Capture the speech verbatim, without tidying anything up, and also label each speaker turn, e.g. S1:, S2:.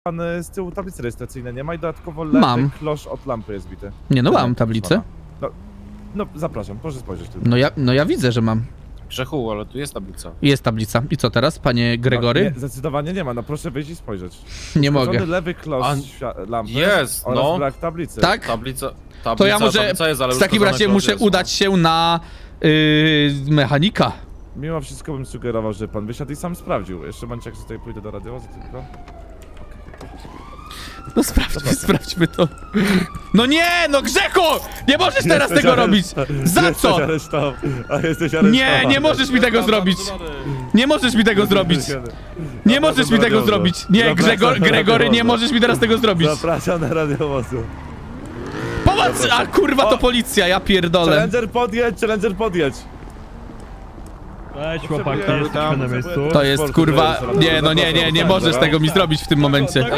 S1: pan z tyłu tablicy rejestracyjnej nie ma i dodatkowo lewy
S2: Mam.
S1: klosz od lampy jest bity.
S2: Nie no, mam tablicę.
S1: No, no zapraszam, proszę spojrzeć tylko.
S2: No ja, no ja widzę, że mam.
S3: Grzechu, ale tu jest tablica.
S2: Jest tablica. I co teraz, panie Gregory?
S1: No, nie, zdecydowanie nie ma, no proszę wyjść i spojrzeć.
S2: Nie
S1: Uszkodzony
S2: mogę.
S1: lewy klosz
S3: A,
S1: świa- lampy
S3: jest,
S1: oraz
S3: no.
S1: brak tablicy.
S2: Tak?
S3: Tablica, tablica,
S2: To ja może
S3: tablica jest, ale
S2: w takim
S3: uszkodzony
S2: razie
S3: klosz
S2: muszę
S3: jest,
S2: udać się na yy, mechanika.
S1: Mimo wszystko bym sugerował, że pan wysiadł i sam sprawdził. Jeszcze momencie, jak tutaj pójdę do radiowozu tylko.
S2: No sprawdźmy, sprawdźmy to. No nie, no Grzechu! Nie możesz teraz
S1: Jesteś
S2: tego
S1: areszt-
S2: robić! Za
S1: jesteś
S2: co?
S1: aresztował- A jesteś aresztowany.
S2: Nie, nie możesz mi tego zrobić! Nie możesz mi tego zrobić! Nie możesz mi tego zrobić! Nie, Grzegor, Gregory, nie możesz mi teraz tego zrobić!
S1: Zapraszam na radiowozu.
S2: Pomoc! A kurwa, to policja, ja pierdolę.
S1: Challenger podjedź, Challenger podjedź.
S4: Cześć chłopaki,
S1: Potrzebuję-
S4: jesteśmy na miejscu.
S2: To jest kurwa... Nie, no nie, nie, nie możesz tego mi zrobić w tym momencie.